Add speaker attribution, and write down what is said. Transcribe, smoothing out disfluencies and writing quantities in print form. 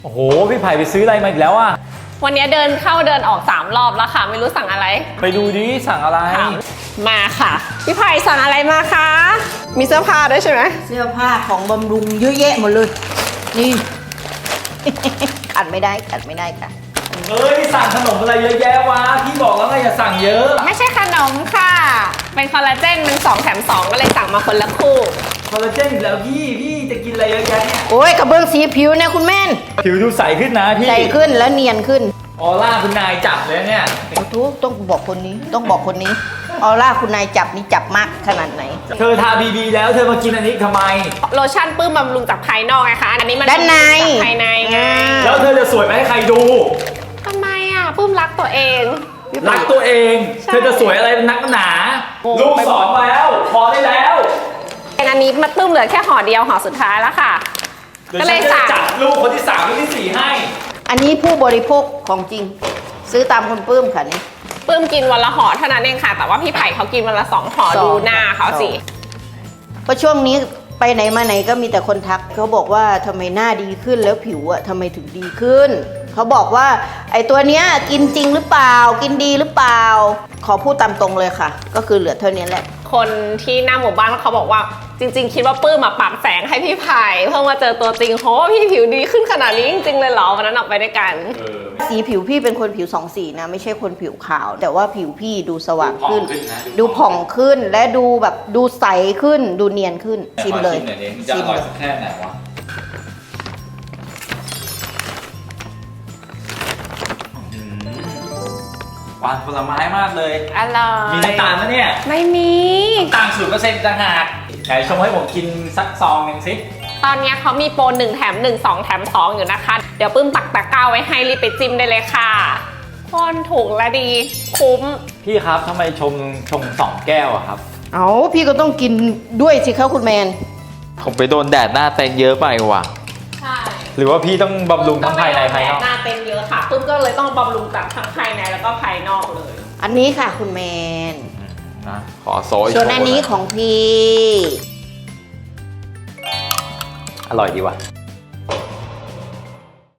Speaker 1: โอ้โหพี่ไผ่ไปซื้ออะไรมาอีกแล้วอะ
Speaker 2: วันนี้เดินเข้าเดินออก3 รอบแล้วค่ะไม่รู้สั่งอะไร
Speaker 1: ไปดูดิสั่งอะไร
Speaker 2: มาค่ะพี่ไผ่สั่งอะไรมาคะมีเสื้อผ้าด้วยใช่ไหม
Speaker 3: เสื้อผ้าของบำรุงเยอะแยะหมดเลยนี่ ขัดไม่ได้ค่ะ
Speaker 1: เฮ้ยสั่งขนมอะไรเยอะแยะวะพี่บอกแล้วไงอย่าสั่งเยอะ
Speaker 2: ไม่ใช่ขนมค่ะเป็นคอลลาเจนมัน2 แถม 2ก็เลยสั่งมาคนละคู่
Speaker 1: คอลลาเจนอีกแล้วพี่จะกินอะไรเยอะแยะเนี่ย
Speaker 3: โอ้ยกระเบื้องสีผิวเนี่ยคุณแม่น
Speaker 1: ผิวดูใสขึ้นนะพี่
Speaker 3: ใสขึ้นแล้วเนียนขึ้น
Speaker 1: ออร่าคุณนายจับเลยเนี่ย
Speaker 3: ทุกต้องบอกคนนี้ออร่าคุณนายจับนี่จับมากขนาดไหน
Speaker 1: เธอทาบีแล้วเธอมากินอันนี้ทำไม
Speaker 2: โลชั่นปื้มบำรุงจากภายนอกไงคะอันนี้มัน
Speaker 3: ด้านใน
Speaker 2: ภายในไง
Speaker 1: แล้วเธอจะสวยไปให้ใครดู
Speaker 2: ทำไมอ่ะปื้มรักตัวเอง
Speaker 1: รักตัวเองเธอจะสวยอะไรเป็นนักหนาลูกสอนแล้วพอได้แล้ว
Speaker 2: อันนี้มาปื้มเหลือแค่ห่อเดียวห่อสุดท้ายแล้วค่ะ
Speaker 1: ก็เลยจัดลูกคนที่3คนที่4ให้
Speaker 3: อันนี้ผู้บริโภคของจริงซื้อตามคนปื้มค่ะนี่
Speaker 2: ปื้มกินวันละห่อเท่านั้นเองค่ะแต่ว่าพี่ไผ่เขากินวันละ2 ห่อดูหน้าเขาสิ
Speaker 3: เพราะช่วงนี้ไปไหนมาไหนก็มีแต่คนทักเขาบอกว่าทำไมหน้าดีขึ้นแล้วผิวอะทำไมถึงดีขึ้นเขาบอกว่าไอ้ตัวเนี้ยกินจริงหรือเปล่ากินดีหรือเปล่าขอพูดตามตรงเลยค่ะก็คือเหลือเท่านี้แหละ
Speaker 2: คนที่หน้าหมู่บ้านเขาบอกว่าจริงๆคิดว่าปื้มมาปรับแสงให้พี่ไผ่เพิ่งมาเจอตัวจริงโหพี่ผิวดีขึ้นขนาดนี้จริงๆเลยเหรอวันนั้นออกไปด้วยกัน
Speaker 3: สีผิวพี่เป็นคนผิว2 สีนะไม่ใช่คนผิวขาวแต่ว่าผิวพี่ดูสว่างขึ้นดูผ่องขึ้นและดูแบบดูใสขึ้นดูเนียนขึ้นชิมเลย
Speaker 1: จะอร่อยสักแค่ไหนวะหวานผลไม้มากเลย
Speaker 2: อร่อย
Speaker 1: มีน้ำตาลไหมเนี่ย
Speaker 2: ไม่มี
Speaker 1: ต่าง0%ต่างหากไหนชงให้ผมกินสักซองหนึ่งสิ
Speaker 2: ตอนนี้เขามีโปร1 แถม 1 2 แถม 2อยู่นะคะเดี๋ยวปื้มปักตะกร้าไว้ให้รีบไปจิ้มได้เลยค่ะคนถูกและดีคุ้ม
Speaker 1: พี่ครับทำไมชง2 แก้วอะครับ
Speaker 3: เอาพี่ก็ต้องกินด้วยสิครับคุณแมน
Speaker 1: ผมไปโดนแดดหน้าเต็มเยอะไปว่ะ
Speaker 2: ใช่
Speaker 1: หรือว่าพี่ต้องบำรุงทั้งภายในภายนอก
Speaker 2: หน้าเต็มเยอะค่ะปื้มก็เลยต้องบำรุงจากทั้งภายในแล้วก็ภายนอกเลย
Speaker 3: อันนี้ค่ะคุณแมน
Speaker 1: นะขอโซย
Speaker 3: ส่วนอันนี้ของพี่
Speaker 1: อร่อยดีว่ะ